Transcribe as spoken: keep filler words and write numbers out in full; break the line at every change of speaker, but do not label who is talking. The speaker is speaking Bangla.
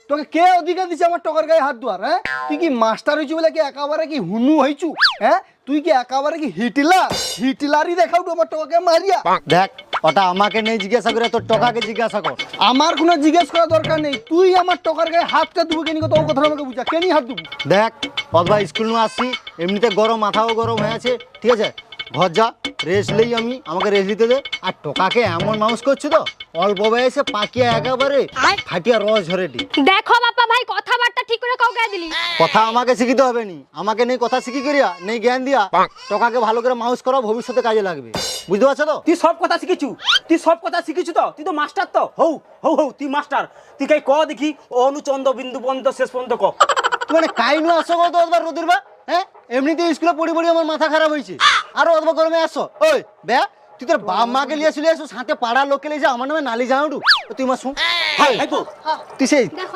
তোকে কে অধিকার দিছে আমার টকার গায়ে হাত দেওয়ার? হ্যাঁ, তুই কি মাস্টার হয়েছু বলে কি একেবারে কি হুনু হয়েছু? হ্যাঁ, তুই কি একেবারে কি হিটলার? হিটলারই দেখাও তো আমার টকাকে মারিয়া।
দেখ, ওটা আমাকে নেই জিজ্ঞাসা করে, তোর টকাকে জিজ্ঞাসা কর।
আমার কোনো জিজ্ঞেস করার দরকার নেই, তুই আমার টকার গায়ে হাতটা দেবো কেন? তো কথা আমাকে বুঝা, কেনই হাত দেবো?
দেখ অথবা স্কুল নিয়ে আসছি, এমনিতে গরম, মাথাও গরম হয়ে আছে, ঠিক আছে? ঘর যা, রেস্ট নেই আমি, আমাকে রেস্ট দিতে দে। আর টোকাকে এমন মানুষ করছি তো অল্প বয়সে পাকিয়া একেবারে ফাটিয়া রস ঝরেটি।
দেখো বাপ্পা ভাই, কথাবার্তা ঠিক করে কাউকে দিলি।
কথা আমাকে শিখিতে হবে নি, আমাকে নেই কথা শিখি করিয়া, নেই জ্ঞান দিয়া টোকাকে ভালো করে মানুষ করা, ভবিষ্যতে কাজে লাগবে, বুঝতে পারছো তো?
তুই সব কথা শিখেছু, তুই সব কথা শিখেছু তো, তুই তো মাস্টার তো হৌ হৌ হৌ তুই মাস্টার। তুই কাই ক দেখি অনুচন্দ্র বিন্দু পর্যন্ত শেষ পর্যন্ত ক।
মানে কাইনু আসো কত অথবা রোদের বা? হ্যাঁ, এমনিতে স্কুলে পড়ি পড়ি আমার মাথা খারাপ হয়েছে, আরো অথবা গরমে আসো। ওই বে, তুই তোর বাপ মাকে লিয়ে চলে আসো, সাথে পাড়ার লোককে লিয়ে যা, আমার নামে নালি জানাটু তুই মা শুন।
হাই হাই তো
তুই সেই